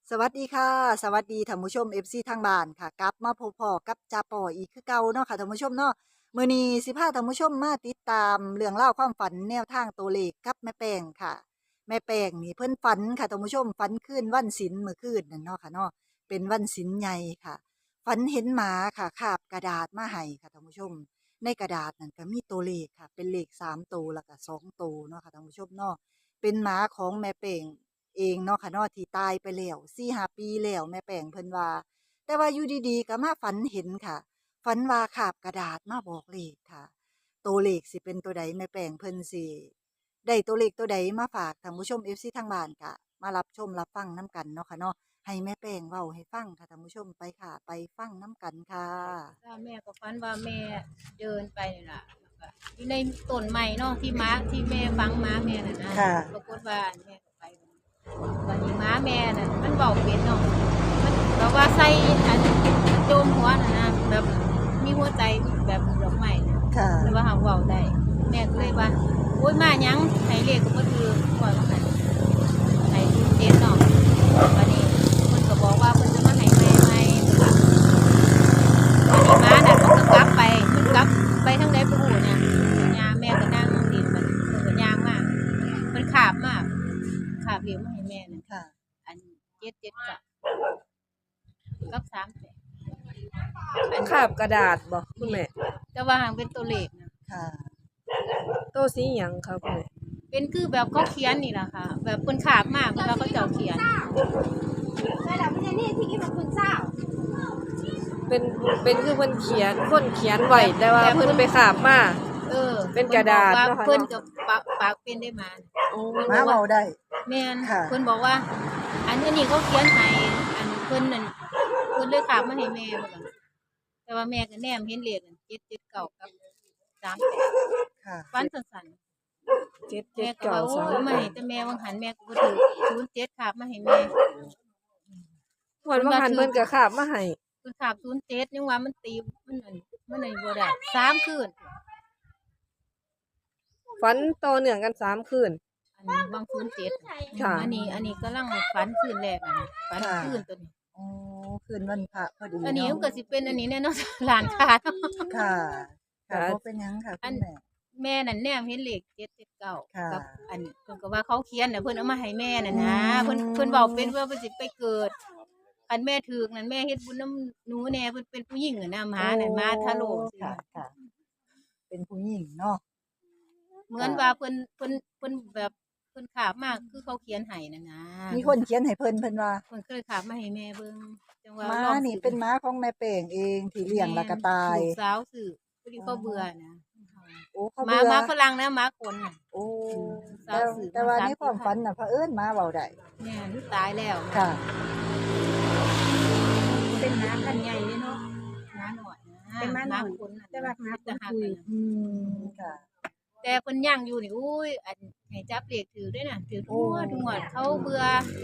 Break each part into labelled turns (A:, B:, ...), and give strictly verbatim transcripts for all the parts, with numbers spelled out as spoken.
A: สวัสดีค่ะสวัสดีท่านผู้ชม เอฟ ซี ทางบ้านค่ะกลับมาพบพ้อกับจาปออีกคือเก่าเนาะค่ะท่านผู้ชมเนาะมื้อนี้สิพาท่านผู้ชมมาติดตามเรื่องราวความฝันแนวทางตัวเลขกับแม่แป้งค่ะแม่แป้งนี่เพิ่นฝันค่ะท่านผู้ชมฝันคืนวันศีลเมื่อคืนนั่นเนาะค่ะเนาะเป็นวันศีลใหญ่ค่ะฝันเห็นหมาค่ะคาบกระดาษมาให้ค่ะท่านผู้ชมในกระดาษนั่นก็มีตัวเลขค่ะเป็นเลขสามตัวแล้วก็สองตัวเนาะค่ะท่านผู้ชมเนาะ เป็นหมาของแม่เป่งเองเนาะค่ะเนาะที่ตายไปแล้วสี่ห้าปีแล้วแม่แป้งเพิ่นว่าแต่ว่าอยู่ดีๆก็มาฝันเห็นค่ะฝันว่าคาบกระดาษมาบอกเลขค่ะตัวเลขสิเป็นตัวใดแม่แป้งเพิ่นสิได้ตัวเลขตัวใดมาฝากท่านผู้ชม เอฟ ซี ทางบ้านก็มารับชมรับฟังน้กันเนาะค่ะเนาะให้แม่แป้งเว้าให้ฟังค่ะท่านผู้ชมไปค่ะไปฟังน้กันค่ะ
B: ถ้าแม่ก็ฝันว่าแม่เดินไปนี่ล่ะแล้วก็อยู่ในต้นไม้เนาะที่ม้าที่แม่ฝังม้าแม่น่ะนะ
A: ค่ะ
B: ปรากฏว่าแม่ก็ไปวันนี้ม้าแม่น่ะมันเว้าเป็นเนาะมันแบบว่าใส่อันโจมหัวน่ะนะแบบมีหัวใจแบบดอกไม้น่ะ
A: ค่ะ
B: แล้วว่าหาเว้าได้แม่ก็เลยว่าโอ๊ยมาหยังให้เลขก็บ่ถือปล่อยว่าหั่นให้เจ็ดเนาะวันนี้เพิ่นก็บอกว่าเพิ่นจะมาให้แม่ใหม่ค่ะ ม้าน่ะมันก็กลับไปมันกลับไปทางใดบ่ฮู้เนี่ยยาแม่ก็นั่งดินมันเพิ่นก็ย่างมามันคาบมาคาบเหลียวมาให้แม่นั่น
A: ค่ะ
B: อันเจ็ด เจ็ดกับกับสามแปดอัน
C: คาบกระดาษบ่คุณแม่
B: แต่ว่าหั้นเป็นตัวเลขนะ
A: ค่ะ
C: โตสีหยังครับคุณแม่
B: เป็นคือแบบเขาเขียนนี่ล่ะค่ะ แบบเพิ่นคาบมาเพิ่นว่าเขาเจ้าเขียน
D: ใช่แล้วมันจะนี่ที่กินกับคุณเจ้า
C: เป็นเป็นคือเพิ่นเขียนคนเขียนไว้แต่ว่าเพิ่นไปคาบมา
B: เออ
C: เป็นกระดาษ
B: เนาะ
C: เนาะค่ะ
B: เพิ่นก็ปากปากเป็นได้มา
C: โอ้
A: หมาเว้าได้
B: แม่น
A: ค่ะ
B: เพิ่นบอกว่า อันนี้เขาเขียนให้อันเพิ่นนั่นเพิ่นเลยฝากมาให้แม่เพิ่นว่าแต่ว่าแม่ก็แนมเห็นเลขนั่นเจ็ด เจ็ด เก้ากับสามแปด
A: ค่ะ
B: ฟันสั้น
C: เจ็ด
B: ๆ
C: เจ็
B: แม่
C: ด
B: ก็ว่าโอ้
C: เก้าสาม
B: ยมาให้แต่แม่วังหันแม่ก็บ่ถูกศูนย์เจ็ดฝากมาให้แม่
C: งวดว่าหันเพิ่นก็คาบมาให้
B: เพิ่นฝากศูนย์เจ็ดยังว่ามันตีมันนั่นมันนั่นบ่ได้สามคืน
C: ฝันต่อเนื่องกันสามคืน
B: อันนี้วางศูนย์เจ็ด
C: ค่ะ
B: อันนี้ อันนี้กำลังฝันคืนแรกอะนะฝันคืนตัวนี้
A: อ๋อคืนวันพระพอดี
B: อันนี้
A: เนาะ
B: มันก็สิเป็นอันนี้แน่เนาะ ร้านค้าเนาะ
A: ค่ะค่ะบ่เป็นหยังค่ะคุณแม่
B: แม่นั่นแนมเห็นเลขเจ็ด เจ็ด เก้า
A: ค่ะ
B: กับอันเพิ่นก็ว่าเขาเขียนน่ะเพิ่นเอามาให้แม่น่ะนะ
A: อืม
B: เพิ่นเพิ่นเว้าเป็นว่าเพิ่นสิไปเกิดคันแม่ถูกนั่นแม่เฮ็ดบุญนำหนูแน่เพิ่นเป็นผู้หญิงอะนะหมาน่ะหมาทะโลสิ
A: ค่ะค่ะ เป็นผู้หญิงเนาะ
B: เหมือนว่าเพิ่นเพิ่นเพิ่นแบบเพิ่นขาบมากคือเขาเขียนให้น่ะนะ
A: มีคนเขียนให้เพิ่นเพิ่นว่า
B: เพิ่นก็เลยขาบมาให้แม่เบิ่งจังว่า
A: ม้า
B: ลอง
A: นี่
B: ซื้อ
A: เป็นม้าของแม่เป่งเองที่เลี้ยงแล้วก็ตาย
B: ลูกสาวซื้อพอดีเขาเบื่อนะ
A: โอ้เขา
B: หมา
A: เบื่อ
B: หมาฝรั่งนะหมาคนน่ะ
A: โอ้
B: สา
A: แต่
B: วสื่อ
A: แต่ว่า
B: มาสาม
A: ในความ
B: สี่
A: ฝันน่ะเผอิญม้าเว้าได้
B: แม่นตายแล้ว
A: ค่ะ
D: เป็นหมาพันธุ์ใหญ่เลยเนาะ
B: หมาหน่อยนะ
D: เป็นหมาหน่อย
B: คนน่ะ
D: แต่ว่าหมา
B: จะหัก
D: คุย
B: น่ะ
A: อืมค่ะ
B: แต่เพิ่นย่างอยู่นี่อุ้ยอันให้จับเลขถือด้วยน่ะถือทั่วทั่วเขาเบื่อ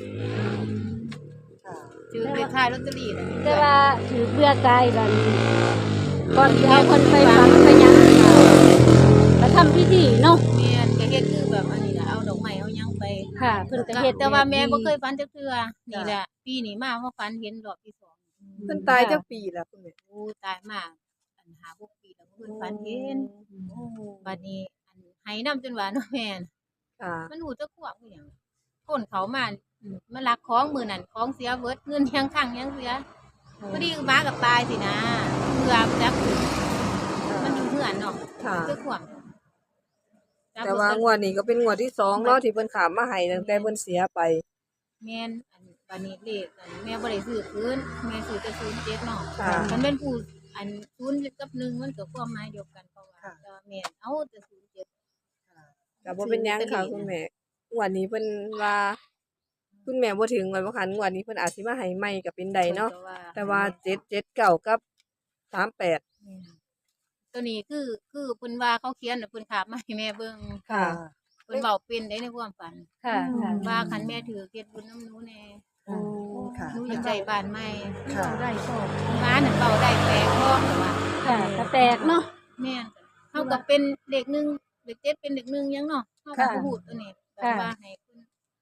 A: ค่ะ
B: ถือเลขท้ายลอตเตอรี่น่ะ
D: แต่ว่าถือเบื่อกายบัดนี้ก่อนสิเอาคนไปฝังไปหยังมาทำพิธีเนาะ
B: แม่นก็เฮ็ดคือแบบอันนี้น่ะเอาดอกไม้เอาหยังไป
D: ค่ะเพิ่นก็เฮ็ด
B: แต่ว่าแม่บ่เคยฝันจักเทื่อนี่แหละปีนี้มามาฝันเห็นรอบที่สอง
C: เพิ่นตายจักปีแล้วคุณแม่
B: โอ้ตายมาอันห้า หกปีแล้วเพิ่นฝันเห็นบัดนี้อันให้นำจนว่าเนาะแม่น
C: ค่ะ
B: มันหูจักขวบคือหยังคนเขามาอืมมาลักของมื้อนั้นของเสียเบิดเงินยังคั่งยังเสียพอดีหมากับตายสินะเพื่อจักมันอยู่เฮือนเนาะ
C: ค่ะ
B: จักขวบ
C: แต่ว่างวดนี้ก็เป็นงวดที่สองเนาะที่เพิ่นขามมาให้ตั้งแต่เพิ่นเสียไป
B: แม่นอันบัดนี้เลขอันแม่บ่ได้ซื้อคืนแม่ซื้อแต่ศูนย์เจ็ดเนาะ
C: ค่ะ
B: มันเป็นผู้อันศูนย์กับหนึ่งมันก็ความหมายเดียวกันเพราะว่า
A: ค่ะ
B: แต่ว่าแม่นเอาแต่ศูนย์เจ็ด
C: ก็บ่เป็นหยังค่ะคุณแม่งวดนี้เพิ่นว่าคุณแม่บ่ถึงวันบ่คันงวดนี้เพิ่นอาจสิมาให้ใหม่ก็เป็นได้เนาะ แต่ว่าเจ็ด เจ็ด เก้ากับสามแปด
B: แม่นตัวนี้คือคือเพิ่นว่าเขาเขียนน่ะเพิ่นถามมาให้แม่เบิ่ง
C: ค่ะ
B: เพิ่นเว้าเป็นได้ในความฝัน
D: ค่ะค่ะ
B: ว่าคันแม่ถือเฮ็ดบุญน้ำหนูแน่
A: โอ้ค่ะ
B: หนูอยากได้บ้านใหม่
A: ค่ะ
D: ได้โชค
B: หมานั่นเว้าได้แปลกพร้อมแต่ว่า
D: ค่ะก็แปลกเนาะ
B: แม่นเฮาก็เป็นเด็กหนึ่งเด็กเจ็ดเป็นเด็กหนึ่งยังเนาะเฮาก็บ่ฮู้ตัวนี้แต่ว่าให้เพิ่นก็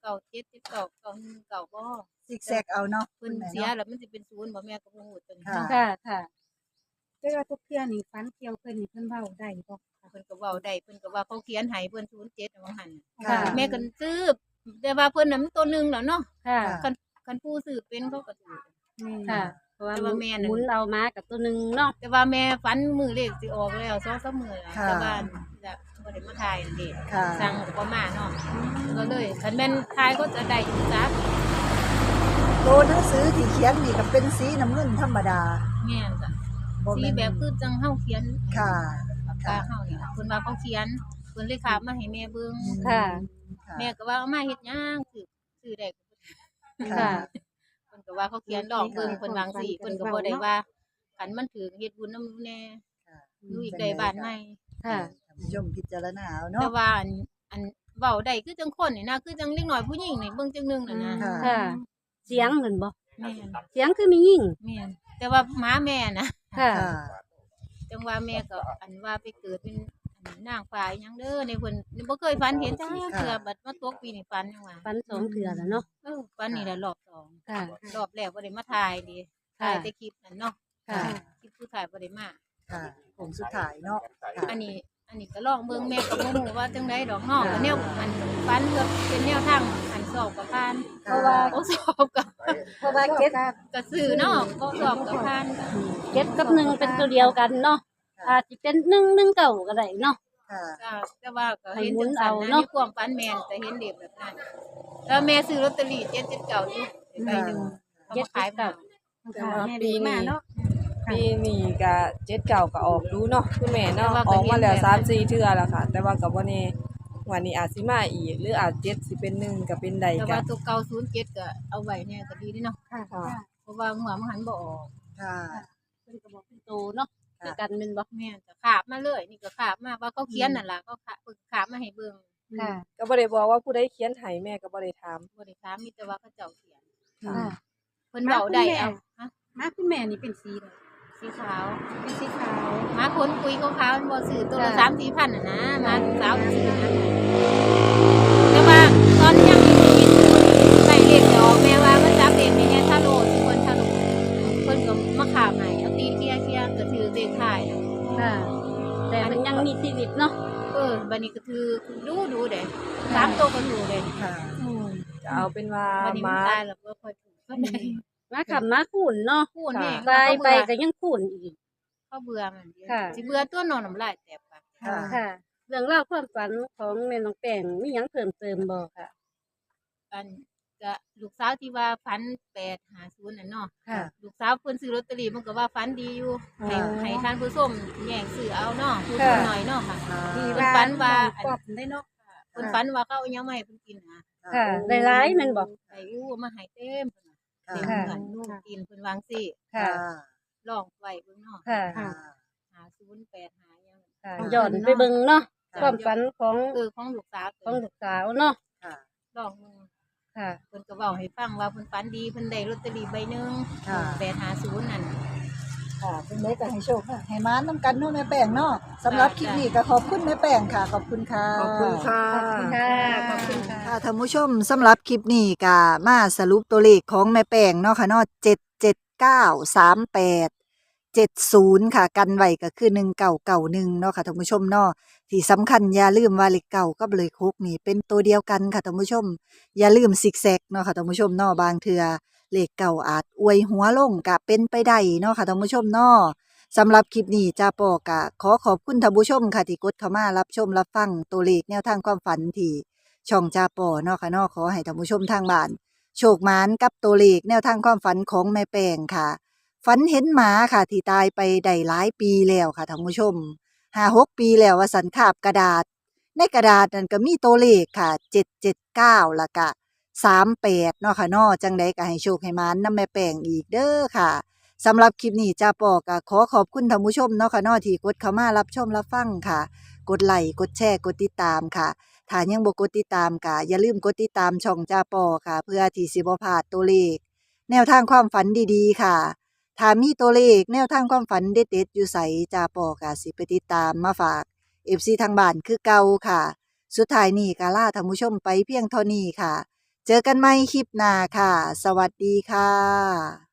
B: ก้าเจ็ดสิบเก้าเก้าหนึ่งเก้าบ่
A: ซิกแซกเอาเนาะ
B: เพิ่น
A: คุณแม่
B: เสีย
A: เนาะ
B: แล้วมันสิเป็นศูนย์บ่แม่ก็บ่ฮู้ตัวนี้
A: ค่ะ
D: ค่ะค่ะ
E: แต่ว่าทุกเทื่อนี่ฝันเกี่ยวเพิ่นนี่เพิ่นเว้าได้บ่
B: เพิ่นก็เว้าได้เพิ่นก็ว่าเขาเขียนให้เพิ่นศูนย์เจ็ดว่าหั่น
A: ค่ะ
B: แม่ก็ซื้อแต่ว่าเพิ่นน่ะมันตัวหนึงแล้วเนาะ
D: ค่ะ
B: คันคันผู้ซื้อเป็นเขาก็ซื้อ
D: ค่ะ เพราะว่า
B: แต่ว่าแม่น่ะ
D: หมุนเอามากับตัวหนึงเนาะ
B: แต่ว่าแม่ฝันมือเลขสิออกแล้วสองสามมื้อแล้ว
A: ค่ะ
B: แต่ว่าจะบ่ได้มาถ่ายนั่นเด้
A: ค่ะ
B: สั่งก็บ่มาเนาะก็เลยคันแม่นถ่ายก็จะได้อยู่จ้ะ
A: ตัวหนังสือที่เขียนนี่ก็เป็นสีน้ำเงินธรรมดา
B: แม่นจ้ะ
A: บ่
B: สี
A: แม่น
B: แบบคือจังเฮาเขียน
A: ค่ะ
B: ปากกาเฮานี่ล่ะเพิ่นว่าเขาเขียนเพิ่นเลยขาบมาให้แม่เบิ่ง
D: ค่ะ
A: ค่ะ
B: แม่ก็ว่าเอามาเฮ็ดหยังซื้อซื้อได้ก็บ่
A: ค่ะ
B: เพิ่นก็ว่าเขาเขียนดอกเบิ่งเพิ่นวาจั่งซี้เพิ่นก็บ่ได้ว่าคันมันถือเฮ็ดบุญนำแน่
A: ค่ะ
B: อยู่อีกได้บ้านใหม่
D: ค่ะ
A: ท่านผู้ชมพิจารณาเอา
B: แต่
A: เนาะ
B: ว่าอันอันเว้าได้คือจังคนนี่นะคือจังเล็กน้อยผู้หญิงนี่เบิ่งจังหนึงน่ะนะ
A: ค่ะ
D: ค่ะ เสียงเหมือนบ่
B: แม่น
D: เสียงคือมียิ่ง
B: แม่นแต่ว่าหมาแม่นะ
D: ค่ะ
A: ค่ะ
B: จังว่าแม่ก็อันว่าไปเกิดเป็นอันนางฟ้าอีหยังเด้อในเพิ่นบ่เคยฝันเห็นจ้าเทื่อบัดมาตกปีนี่ฝันจังว่า
D: ฟันสองเถื่อแล้วเนาะ
B: เออฝันนี่แหละรอบสอง
D: ค่ะ
B: รอบแรกบ่ได้มาถ่ายดิถ่ายแต่คลิปนั่นเนาะ
D: ค่ะ
B: คลิปผู้ถ่ายบ่ได้มา
A: ค่ะผงสุดท้ายเนาะค่ะ
B: อันนี้ อันนี้ก็ลองเบิ่งแม่ก็บ่ฮู้ว่าจังไดดอกเนาะก็แนวมันฝันก็เป็นแนวทางอันสอบกับผ่าน
A: เพราะว่า
B: โอ้สอบก็
D: เพราะว่าเจ็ด
B: ก็ซื้อเนาะก็สอบกับผ่าน
D: เจ็ดกับหนึ่งเป็นตัวเดียวกันเนาะอาจจะเป็นหนึ่งหนึ่งเก่าก็ได้เนาะ
A: ค่ะ
B: จ้าแต่ว่าก็เห็น
D: ให้หมุ
B: จั
D: น
B: งซั่น
D: เอา
B: นะ
D: เนาะ
B: มีความฝันแม่นแต่เห็นเด็กแบบนั้นแล้วแม่ซื้อลอตเตอรี่เจ็ดสิบเก้าอยู่ใบหนึงเขามาขายมา
C: แต่ว่า
E: แม่
C: ปี
E: ดีมา
C: นี้
E: เนาะ
C: ปีนี้ก็เจ็ดเก่าก็ออกดูเนาะคุณแม่เนาะ
B: แต่ว่าก็
C: ออกมาแล้ว
B: เห็นแบบ
C: สามสี่เทื่อแล้วค่ะ แต่ว่าก็บ่แน่วันนี้อาจสิมาอีกหรืออาจเจ็ดสิเป็นหนึ่งก็เป็นใด
B: แต่
C: ก็
B: ว่าตัวเก่าศูนย์เจ็ดก็เอาไว้เนี่ยก็ดีเด้เนาะ
E: ค่ะ
C: ค่ะ
B: เพราะว่าหัวมันหันบ่ออก
A: ค่ะ
D: เพิ่นก็บอกเป็นโตเนาะคือกันเป็นบ่
B: แม่นก็ขาบมาเลย นี่ก็ขาบมาว่าเขาเขียนนั่นล่ะเขาขาบขาบมาให้เบิ่ง
D: ค่ะ
C: ก็บ่ได้บอกว่าผู้ใดเขียนให้แม่ก็บ่ได้ถาม
B: บ่ได้ถามมีแต่ว่าเขาเจ้าเขียน
C: ค่ะ
D: ค่ะ
B: เพิ่นเว้าได้เอาฮะ
E: มาคุณแม่นี่เป็นสีใด
B: สีขาว
E: เป็นสีขาว
B: หมาขนคุยขาวๆมันบ่ซื้อตัวละสามสี่พันน่ะนะหมาสาวซื้อนะแต่ว่าตอนยังมีชีวิตอยู่ใส่เลขจะออกแม่ว่ามันจับเลขในแง่ทาโร่ที่เพิ่นทาโร่เพิ่นก็มาขาบให้เอาตีเคลียร์เคลียร์ก็ถือเลขท้ายน่ะ
D: ค่ะ แต่มันยังมีชีวิตเนาะ
B: เออบัดนี้ก็ถือดูดูเด้สามตัวก็ถูกเด้
A: ค่ะ
D: อืม
C: จะเอาเป็นว่า
B: บัดนี้
C: ห
B: มัน
C: มา
B: ตายแล้วบ่ค่อยถูกปานใด
D: มาขับมาขุนเนาะ
B: พูดแม่ง
D: ตายไป
B: เขา
D: ก็ยังขุนอีก
B: เขาเบื่อมันเดียว
D: ค่ะ
B: สิเบื่อตัวนอนน้ำลายแตกปาก
A: ค่ะ
D: ค่ะ เรื่องเล่าวความฝันของแม่น้องแป้งมีหยังเพิ่มเติมบ่ค่ะ
B: อันก็ลูกสาวที่ว่าฝันแปดหาศูนย์น่ะเนาะ
D: ค่ะ
B: ลูกสาวเพิ่นซื้อลอตเตอรี่มันก็ว่าฝันดีอยู่ให้
D: อ๋อ
B: ให้ท่านผู้ชมแย่งซื้อเอาเนาะผู้ช
D: ค่ะ
B: มหน่อยเนาะค่ะ
E: ดี
B: เพิ่น
E: ว่า
B: ฝันว่า
E: ปอบได้เนาะ
B: เพิ่นฝันว่าเขาเอาหยังมาให้เพิ่นกินนะ
D: ค่ะได้ร้ายแมันบ่
B: ไอ้อู้เอามาให้เต็มเพิ่นน่ะ
A: ค่ะ
B: เต็ม
D: ค่ะ
B: เหมือนลูกกินเพิ่นวางสิ
D: ค่ะ
B: ลองไว้เบิ่งเนาะ
D: ค่ะ
A: ค่ะ
B: หาศูนย์แปดหาหยัง
D: ค่ะย้อนไปเบิ่งเนาะ
B: ค่ะ
D: ความฝันของ
B: เออของลูกสาว
D: ของลูกสาวเนาะ
A: ค่ะ
B: ลองมึง
D: ค่ะ
B: เพิ่นก็เว้าให้ฟังว่าเพิ่นฝันดีเพิ่นได้ลอตเตอรี่ใบหนึง
A: ค่ะ
B: แปดห้าศูนย์นั่น
A: ค่ะเป็นได้ก็ให้โชคค่ะให้มานน้ำกันเนาะแม่แป้งเนาะสำหรับคลิปนี้ก็ขอบคุณแม่แป้งค่ะ ขอบคุณค่ะ
C: ขอบคุณค่ะ
D: ค่ะขอบคุณค่ะ
A: ค่ะท่านผู้ชมสำหรับคลิปนี้ก็มาสรุปตัวเลขของแม่แป้งเนาะค่ะเนาะเจ็ดเจ็ดเก้าสามแปดเจ็ดศูนย์ค่ะ กันไว้ก็คือหนึ่งเก่าเก่าหนึ่งเนาะค่ะท่านผู้ชมเนาะที่สำคัญอย่าลืมว่าเลขเก่ากับเลขหกนี่เป็นตัวเดียวกันค่ะท่านผู้ชม อย่าลืมซิกแซกเนาะค่ะท่านผู้ชมเนาะบางเทื่อเลขเก่าอาจอวยหัวลงก็เป็นไปได้เนาะค่ะท่านผู้ชมเนาะสำหรับคลิปนี้จ้าปอกะขอขอบคุณท่านผู้ชมค่ะที่กดเข้ามารับชมรับฟังตัวเลขแนวทางความฝันที่ช่องจ้าปอเนาะค่ะเนาะขอให้ท่านผู้ชมทางบ้านโชคหมานกับตัวเลขแนวทางความฝันของแม่แป้งค่ะฝันเห็นหมาค่ะที่ตายไปได้หลายปีแล้วค่ะท่านผู้ชมห้าหกปีแล้วว่าสันคาบกระดาษ ในกระดาษนั่นก็มีตัวเลขค่ะเจ็ดเจ็ดเก้าแล้วก็สามแปดเนาะค่ะเนาะจังใดก็ให้โชคให้หมานนำแม่แป้งอีกเด้อค่ะสำหรับคลิปนี้จ้าปอก็ขอขอบคุณท่านผู้ชมเนาะค่ะเนาะที่กดเข้ามารับชมรับฟังค่ะ กดไลค์กดแชร์กดติดตามค่ะถ้ายังบ่กดติดตามก็อย่าลืมกดติดตามช่องจ้าปอค่ะ เพื่อที่สิบ่พลาดตัวเลข แนวทางความฝันดีๆค่ะถ้ามีตัวเลขแนวทางความฝันเด็ดๆอยู่ไสจ้าปอก็สิไปติดตามมาฝาก เอฟ ซี ทางบ้านคือเก่าค่ะ สุดท้ายนี้ก็ลาท่านผู้ชมไปเพียงเท่านี้ค่ะเจอกันใหม่คลิปหน้าค่ะ สวัสดีค่ะ